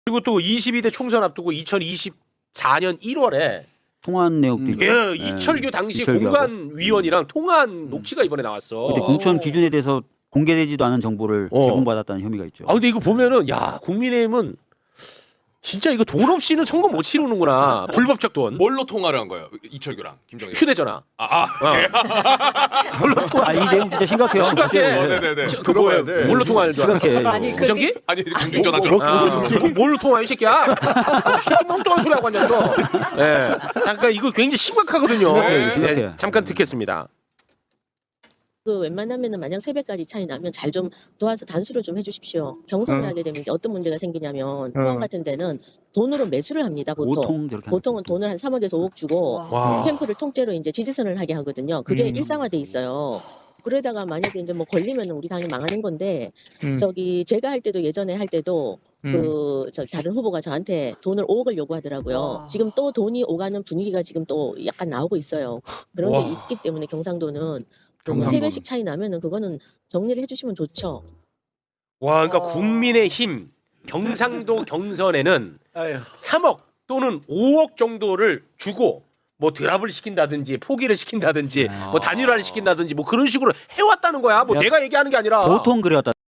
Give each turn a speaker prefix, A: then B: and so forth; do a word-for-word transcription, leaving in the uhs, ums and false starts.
A: 그리고 또 이십이 대 총선 앞두고 이천이십사 년 일월에
B: 통화한 내역도 있고.
A: 예, 이철규 당시
B: 이철규하고.
A: 공관위원이랑 통화한 녹취가 이번에 나왔어.
B: 그때 공천 기준에 대해서 공개되지도 않은 정보를
A: 어.
B: 제공받았다는 혐의가 있죠.
A: 아 근데 이거 보면은 야 국민의힘은 진짜 이거 돈 없이는 선거 못 치르는구나. 불법적 돈.
C: 뭘로 통화를 한 거예요? 이철규랑 김정일.
A: 휴대전화.
C: 아, 아.
A: 어.
B: 아, 이 내용 진짜 심각해요.
A: 심각해.
C: 어, 네네네.
A: 그 뭐야? 뭘로 통화하는 줄 알아?
B: 심각해.
D: 아니, 그-
A: 무전기?
C: 아니 공중전화죠.
B: 뭐, 뭐,
A: 아,
B: 뭐,
A: 뭘로 통화해 이 새끼야? 이 새끼 멍뚱한 소리 하고 앉았어. 예. 잠깐 이거 굉장히 심각하거든요.
B: 심각해요,
A: 예,
B: 심각해요.
A: 잠깐 듣겠습니다.
D: 그 웬만하면은 만약 세 배까지 차이 나면 잘 좀 도와서 단수를 좀 해주십시오. 경선을
E: 음.
D: 하게 되면 이제 어떤 문제가 생기냐면
E: 음.
D: 포항 같은 데는 돈으로 매수를 합니다. 보통
B: 보통 저렇게 하는
D: 보통은 돈을 한 삼억에서 오억 주고
A: 와.
D: 캠프를 통째로 이제 지지선을 하게 하거든요. 그게
E: 음.
D: 일상화돼 있어요. 그러다가 만약에 이제 뭐 걸리면은 우리 당이 망하는 건데
E: 음.
D: 저기 제가 할 때도 예전에 할 때도
E: 음.
D: 그 저 다른 후보가 저한테 돈을 오억을 요구하더라고요.
F: 와.
D: 지금 또 돈이 오가는 분위기가 지금 또 약간 나오고 있어요. 그런 게
A: 와.
D: 있기 때문에 경상도는 세
A: 경상도는.
D: 배씩 차이 나면은 그거는 정리를 해주시면 좋죠.
A: 와, 그러니까
F: 와.
A: 국민의힘 경상도 경선에는 삼억 또는 오억 정도를 주고 뭐 드랍을 시킨다든지 포기를 시킨다든지 뭐 단일화를 시킨다든지 뭐 그런 식으로 해왔다는 거야. 뭐
B: 야.
A: 내가 얘기하는 게 아니라.
B: 보통 그래왔다.